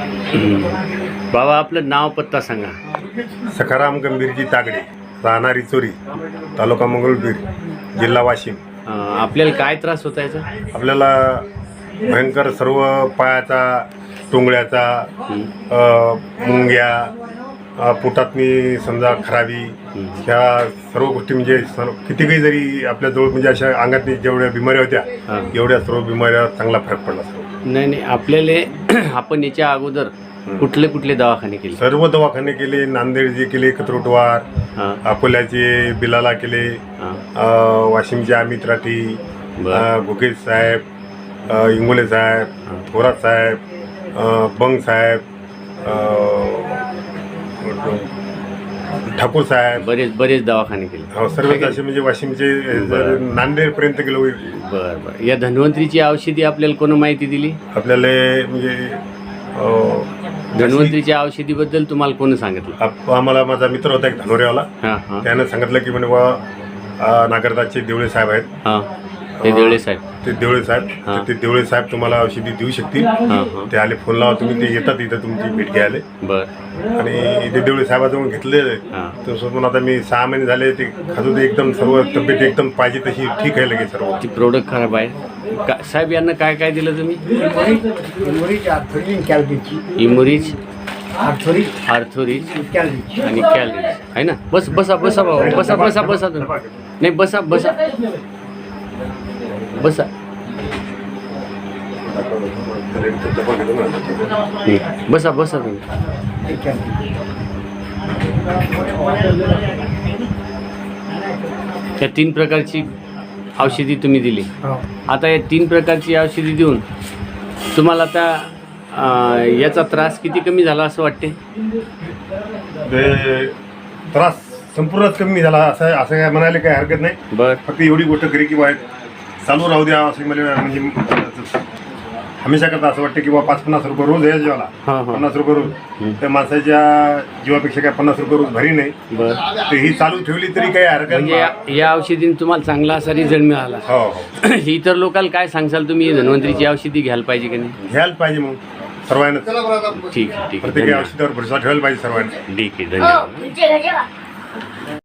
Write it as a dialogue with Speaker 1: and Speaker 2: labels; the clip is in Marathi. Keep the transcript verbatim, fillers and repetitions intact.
Speaker 1: बाबा आपलं नाव पत्ता सांगा.
Speaker 2: सखाराम गंभीरजी तागडे, राहणारी चोरी, तालुका मंगरुळपीर, जिल्हा वाशिम.
Speaker 1: अं, आपल्याला काय त्रास होता याचा?
Speaker 2: आपल्याला भयंकर सर्व पायाचा, टोंगळ्याचा, अ, मुंग्या, अ, पोटातनी समजा खराबी, ह्या सर्व गोष्टी म्हणजे सर्व किती काही जरी आपल्याजवळ म्हणजे अशा अंगातनी जेवढ्या बिमाऱ्या होत्या एवढ्या सर्व बिमाऱ्या चांगला फरक पडला. सर्व
Speaker 1: नाही नाही आपल्याला आपण याच्या अगोदर कुठले कुठले दवाखाने केले?
Speaker 2: सर्व दवाखाने केले. नांदेडचे केले, कत्रोटवार, अकोल्याचे बिलाला केले, अ, वाशिमचे अमित राठी, अ, गुकेश साहेब, अ, इंगोले साहेब, थोरात साहेब, अ, बंग साहेब, अ, ठाकूर साहेब,
Speaker 1: बरेच बरेच दवाखाने केले.
Speaker 2: हो सर्व असे म्हणजे वाशिमचे नांदेडपर्यंत गेलो.
Speaker 1: बरं बरं. या धन्वंतरीची औषधी आपल्याला कोण माहिती दिली?
Speaker 2: आपल्याला म्हणजे
Speaker 1: धन्वंतरीच्या औषधीबद्दल तुम्हाला कोण सांगितलं?
Speaker 2: आप- आम्हाला माझा मित्र होता एक धनोरेवाला,
Speaker 1: हां हां
Speaker 2: त्यानं सांगितलं की म्हणे बा नागरदाचे देवळे साहेब आहेत,
Speaker 1: हां ते देवळे साहेब.
Speaker 2: ते देवळे साहेब
Speaker 1: हां.
Speaker 2: तर ते देवळे साहेब तुम्हाला औषधी देऊ शकतील.
Speaker 1: हां हां
Speaker 2: ते आले, फोन लावा तुम्ही, ते येतात इथं तुमची भेट घ्यायला.
Speaker 1: बरं
Speaker 2: आणि ते देवळे साहेबाजवळ घेतलेलं
Speaker 1: हां
Speaker 2: तर सोबत आता मी सहा महिने झाले ते खाजू ते एकदम सर्व तब्येत एकदम पाहिजे तशी ठीक आहे लगेच सर्व.
Speaker 1: ती प्रोडक्ट खराब आहे का साहेब? यांना काय काय दिलं तुम्ही?
Speaker 3: इमोरीज आर्थोरीज कॅलरीची
Speaker 1: इमोरिज,
Speaker 3: आर्थोरीज
Speaker 1: आर्थोरिज
Speaker 3: कॅलरीची
Speaker 1: आणि कॅलरीज आहे ना. बस बसा बसा बाबा, बसा बसा बसा तुम्ही. नाही बसा बसा बसा. बसा बसा तुम्ही. त्या तीन प्रकारची औषधी तुम्ही दिली. आता या तीन प्रकारची औषधी देऊन तुम्हाला आता अं, याचा त्रास किती कमी झाला असं वाटते?
Speaker 2: ते त्रास संपूर्णच कमी झाला असं असं काय म्हणायला काही हरकत नाही.
Speaker 1: बर
Speaker 2: फक्त एवढी गोष्ट खरी की बा चालू राहू द्या असं मला म्हणजे हमेशा करता असं वाटतं की बा पाच पन्नास रुपये रोज आहे जेवाला,
Speaker 1: हां हां
Speaker 2: पन्नास रुपये रोज त्या माणसाच्या जीवापेक्षा काय पन्नास रुपये रोज भरी नाही.
Speaker 1: बर.
Speaker 2: तर ही चालू ठेवली तरी काही हरकत
Speaker 1: म्हणजे या,
Speaker 2: नाही.
Speaker 1: या औषधीने तुम्हाला चांगला असा रिझल्ट मिळाला.
Speaker 2: हो हो
Speaker 1: इतर लोकांना काय सांगसाल तुम्ही? धन्वंतरीची औषधी घ्यायला पाहिजे की नाही?
Speaker 2: घ्यायला पाहिजे मग सर्वांना.
Speaker 1: ठीक आहे ठीक आहे
Speaker 2: प्रत्येक
Speaker 1: धन्यवाद.
Speaker 2: औषधावर भरोसा ठेवायला पाहिजे सर्वांनी.
Speaker 1: ठीक आहे धन्यवाद.